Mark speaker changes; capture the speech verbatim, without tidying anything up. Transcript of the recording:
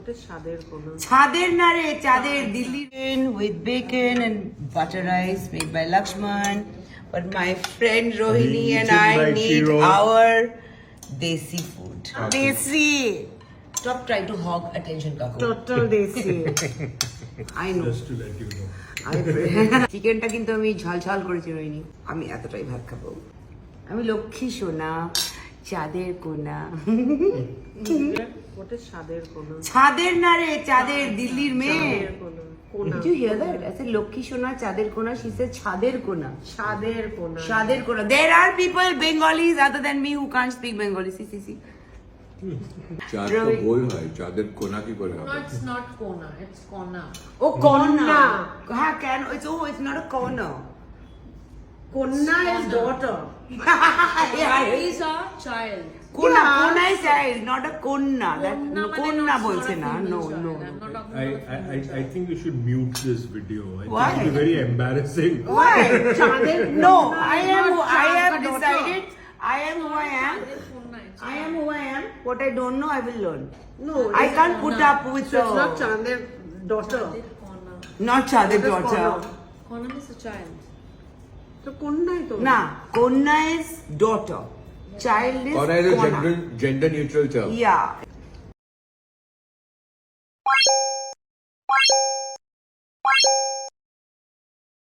Speaker 1: ওটা স্বাদের কোনো
Speaker 2: ছাদের না রে চাঁদের Delhi with bacon and butter rice made by Lakshman, but my friend Rohini and
Speaker 3: Eaten
Speaker 2: I
Speaker 3: by
Speaker 2: need
Speaker 3: Shiro.
Speaker 2: our desi food. Desi. Stop trying to hog attention, Kaku.
Speaker 1: Total desi
Speaker 2: I know.
Speaker 3: Just to let you know.
Speaker 2: চিকেনটা কিন্তু আমি ঝাল ঝাল করেছি রইনি, আমি এতটাই ভাত খাবো। আমি লক্ষ্মী সোনা চাঁদের কোনা।
Speaker 1: ওটা স্বাদের কোনো
Speaker 2: ছাদের না রে চাঁদের দিল্লির মেয়ে।
Speaker 1: স্বাদের কোনো কোনা
Speaker 2: Did you hear that? I said Lakshmi সোনা চাঁদের কোনা, she said ছাদের কোনা।
Speaker 1: স্বাদের কোনো
Speaker 2: Shadir Kona. There are people Bengalis other than me who can't speak Bengali. See, see, see.
Speaker 4: চাঁদ তো গোল হয়, চাঁদের কোনা কি করে হবে?
Speaker 5: No, it's not Kona, it's Kona.
Speaker 2: Oh, Konna.
Speaker 1: Konna.
Speaker 2: Ha, can it's oh, it's not a corner.
Speaker 1: কন্যা is daughter
Speaker 2: Yeah,
Speaker 5: He's a child.
Speaker 2: Konna,
Speaker 1: Yeah.
Speaker 2: Konna is child, not a Konna. That
Speaker 5: Konna
Speaker 2: no,
Speaker 5: মানে
Speaker 2: Konna
Speaker 5: not
Speaker 2: bolche
Speaker 5: not a
Speaker 2: na.
Speaker 5: female
Speaker 2: No,
Speaker 5: child.
Speaker 2: no.
Speaker 5: I'm not talking
Speaker 3: I,
Speaker 5: about a
Speaker 3: I, I
Speaker 5: female
Speaker 3: I think you should mute this video. I
Speaker 2: Why?
Speaker 3: think it'll be very embarrassing.
Speaker 2: Why?
Speaker 1: চাঁদের
Speaker 2: No,
Speaker 1: কন্যা
Speaker 2: I
Speaker 1: is
Speaker 2: am.
Speaker 1: not
Speaker 2: I
Speaker 1: চাঁদ
Speaker 2: have
Speaker 1: বা daughter.
Speaker 2: decided. I am who I am.
Speaker 5: child. It's Kona, it's
Speaker 2: I am who I am. What I don't know, I will learn.
Speaker 1: No,
Speaker 2: I
Speaker 1: it's
Speaker 2: can't put
Speaker 5: Konna.
Speaker 2: up with
Speaker 1: So it's not
Speaker 2: the
Speaker 1: চাঁদের daughter
Speaker 5: Chander Kona.
Speaker 2: not Chadir
Speaker 1: It is
Speaker 2: daughter.
Speaker 1: Konna.
Speaker 5: Kona is a child.
Speaker 1: তো কন্যাই তো
Speaker 2: Na, Konna is daughter. Child is
Speaker 4: Kona is a
Speaker 2: Kona.
Speaker 4: gender, gender neutral term.
Speaker 2: Yeah.